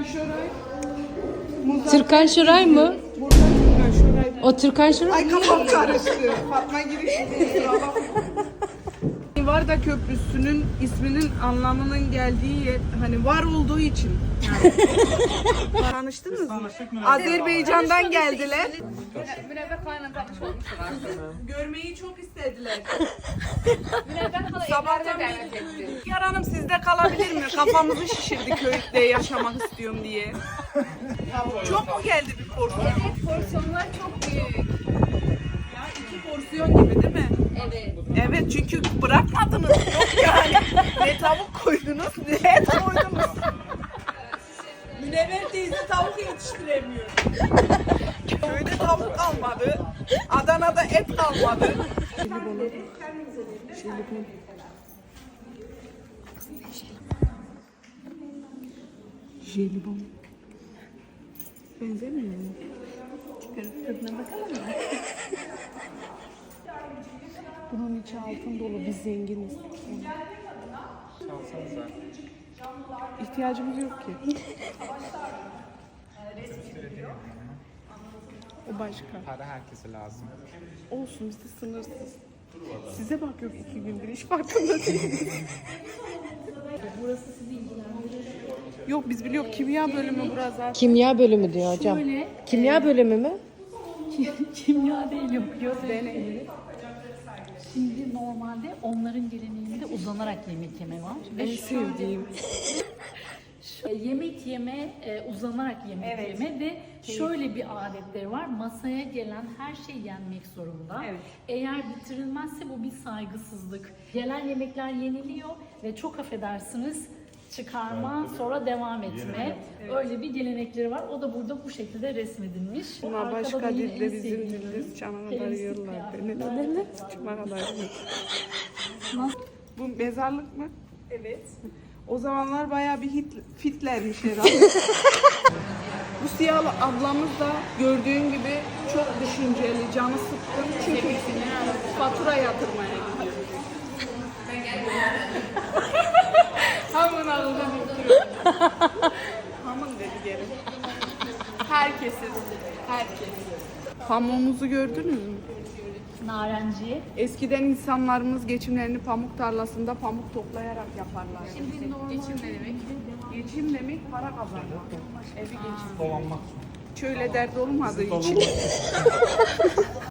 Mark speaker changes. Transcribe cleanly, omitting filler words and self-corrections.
Speaker 1: Şoray.
Speaker 2: Türkan Şoray mı?
Speaker 1: Burada Türkan Şoray.
Speaker 2: O Türkan Şoray
Speaker 1: Ay
Speaker 2: mı?
Speaker 1: kafam karıştı. Fatma girişi değil. Varda Köprüsü'nün isminin anlamının geldiği yer, hani var olduğu için. Yani. Tanıştınız mı? Azerbaycan'dan geldiler.
Speaker 3: Münevver Kaan'la tanış olmuşlar.
Speaker 1: Görmeyi çok istediler.
Speaker 3: Münevver Kaan'ı
Speaker 1: Sabahtan
Speaker 3: evlerine davet etti.
Speaker 1: Yar Hanım sizde kalabilir mi? Kafamızı şişirdi köyde yaşamak istiyorum diye. Çok mu geldi bir porsiyon?
Speaker 3: Evet, porsiyonlar çok büyük.
Speaker 1: Ya 2 porsiyon gibi değil mi?
Speaker 3: Evet.
Speaker 1: Evet çünkü bırakmadınız. Yok yani. Ne tavuk koydunuz ne et koydunuz. Münevver teyze tavuk yetiştiremiyor. Köyde tavuk kalmadı. Adana'da et kalmadı. Jelibon. Benzemiyor mu?
Speaker 3: Çıkarıp tadına bakalım mı?
Speaker 1: Bunun içi altın dolu. Biz zenginiz. İhtiyacımız yok ki. O başka.
Speaker 4: Para herkese lazım.
Speaker 1: Olsun bizde sınırsız. Size bak yok 2 gündür hiç farkında değiliz.
Speaker 3: Burası sizi ilgilendirir.
Speaker 1: Yok biz biliyoruz kimya bölümü burası.
Speaker 2: Kimya bölümü diyor hocam.
Speaker 3: Şöyle,
Speaker 2: Kimya bölümü mü?
Speaker 3: kimya değil yapıyoruz. Şimdi normalde onların geleneğinde uzanarak yemek yeme var.
Speaker 1: En sevdiğim.
Speaker 3: Yemek yeme, uzanarak yemek yeme ve şöyle bir adetleri var. Masaya gelen her şey yenmek zorunda. Eğer bitirilmezse bu bir saygısızlık. Gelen yemekler yeniliyor ve çok affedersiniz çıkarma sonra devam etme. Öyle bir gelenekleri var. O da burada bu şekilde resmedilmiş.
Speaker 1: Bunlar
Speaker 3: Arkada
Speaker 1: başka
Speaker 3: da yine
Speaker 1: dilde
Speaker 3: en
Speaker 1: bizim
Speaker 3: sevdiğim
Speaker 1: dilde sıçana kadar
Speaker 3: temizlik
Speaker 1: yiyorlar.
Speaker 3: kıyafetler.
Speaker 1: Ne sıçma kadar Bu mezarlık mı?
Speaker 3: Evet.
Speaker 1: O zamanlar bayağı bir fitlermiş herhalde. Bu siyah ablamız da gördüğün gibi çok düşünceli, canı sıkkın. Çünkü fatura yatırmaya gidiyor. Hamın ağzına bakıyor. Hamın dedi geri. Herkesin. Herkes. Pamuğumuzu gördünüz mü?
Speaker 3: Narenciye.
Speaker 1: Eskiden insanlarımız geçimlerini pamuk tarlasında pamuk toplayarak yaparlar.
Speaker 3: Şimdi geçim ne demek?
Speaker 1: Geçim demek para kazanmak. Evi geçim.
Speaker 4: Dolanmak.
Speaker 1: Şöyle dert olmadığı için.